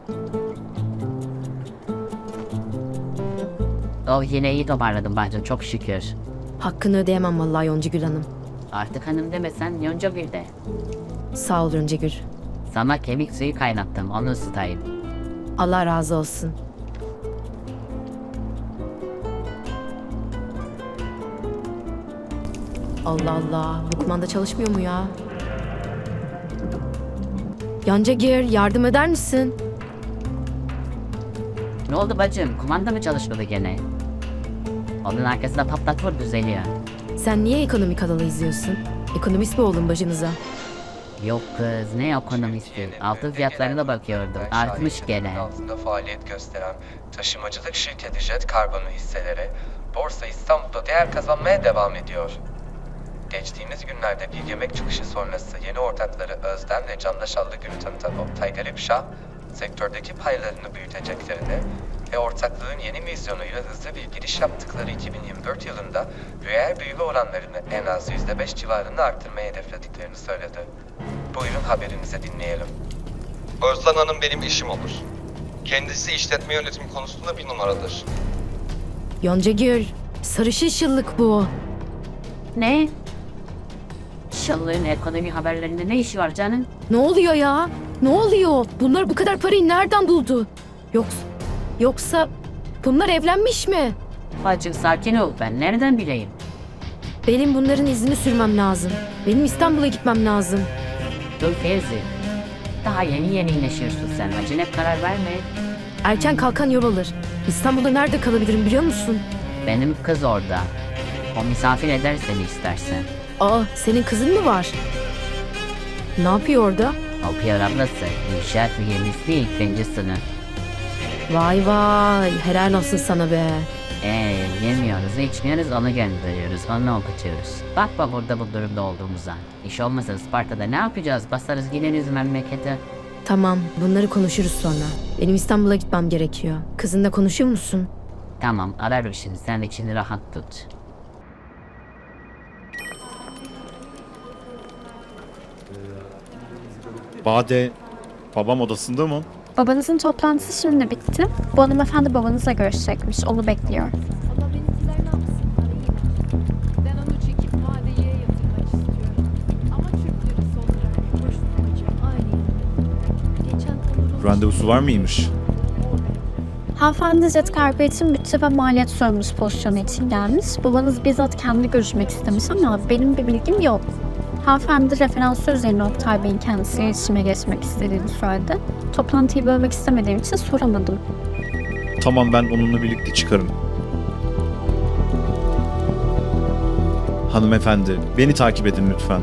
Oh, yine iyi toparladım bacım, çok şükür. Hakkını ödeyemem vallahi Yoncagül Hanım. Artık hanım demesen Yonca bir de. Sağ ol Yoncagül. Sana kemik suyu kaynattım, onu ısıtayım. Allah razı olsun. Allah Allah, bu kumanda çalışmıyor mu ya? Yoncagül, yardım eder misin? Ne oldu bacım, kumanda mı çalışmadı gene? Onun arkasında patlat vur, düzeliyor. Sen niye ekonomi kanalı izliyorsun? Ekonomist mi oldun bacınıza? Yok kız, ne ekonomisti? Altın fiyatlarına bakıyordum, artmış gene. Altında faaliyet gösteren taşımacılık şirketi Jet Carbon'un hisseleri Borsa İstanbul'da değer kazanmaya devam ediyor. Geçtiğimiz günlerde bir yemek çıkışı sonrası yeni ortakları Özden ve Candaşallı Gül'ü tanıtan Oktay Garipşah, sektördeki paylarını büyüteceklerini ve ortaklığın yeni vizyonuyla hızlı bir giriş yaptıkları 2024 yılında reel büyüme oranlarını en az %5 civarında arttırmayı hedeflediklerini söyledi. Buyurun haberinizi dinleyelim. Özden Hanım benim eşim olur. Kendisi işletme yönetimi konusunda bir numaradır. Yoncagül, sarışın şıllık bu. Ne? Şallığın ekonomi haberlerinde ne işi var canım? Ne oluyor ya? Ne oluyor? Bunlar bu kadar parayı nereden buldu? Yoksa bunlar evlenmiş mi? Bacım sakin ol, ben nereden bileyim? Benim bunların izini sürmem lazım. Benim İstanbul'a gitmem lazım. Dur Fevzi. Daha yeni iyileşiyorsun sen, acele karar verme. Erken kalkan yol alır. İstanbul'da nerede kalabilirim biliyor musun? Benim kız orada. O misafir eder seni istersen. Aa, senin kızın mı var? Ne yapıyor orada? O Pierre ablası, inşaat mühendisliği ilk birinci sınıf. Vay vay, helal olsun sana be. Yemiyoruz, içmiyoruz, onu gönderiyoruz, onu okutuyoruz. Bakma burada bu durumda olduğumuza. İş olmasa Isparta'da ne yapacağız? Basarız gideriz memlekete. Tamam, bunları konuşuruz sonra. Benim İstanbul'a gitmem gerekiyor. Kızınla konuşuyor musun? Tamam, ararım şimdi, sen içini rahat tut. Bade, babam odasında mı? Babanızın toplantısı şimdi bitti. Bu hanımefendi babanızla görüşecekmiş. Onu bekliyor. Allah benimkilerini alsın parayı. Ben onu çekip vadeye yatırmak istiyorum. Ama Türk lirası olarak kuruş tutacağım. Aynen. Geçen Onur'un... Randevusu var mıymış? Hanımefendi Jet Cargo için bütçe ve maliyet sorumlusu pozisyonu için gelmiş. Babanız bizzat kendi görüşmek istemiş ama benim bir bilgim yok. Hanımefendi referansı üzerine Oktay Bey'in kendisiyle iletişime geçmek istediğini söyledi. Toplantıyı bölmek istemediğim için soramadım. Tamam, ben onunla birlikte çıkarım. Hanımefendi, beni takip edin lütfen.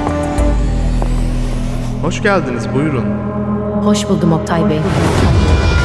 Hoş geldiniz, buyurun. Hoş buldum Oktay Bey.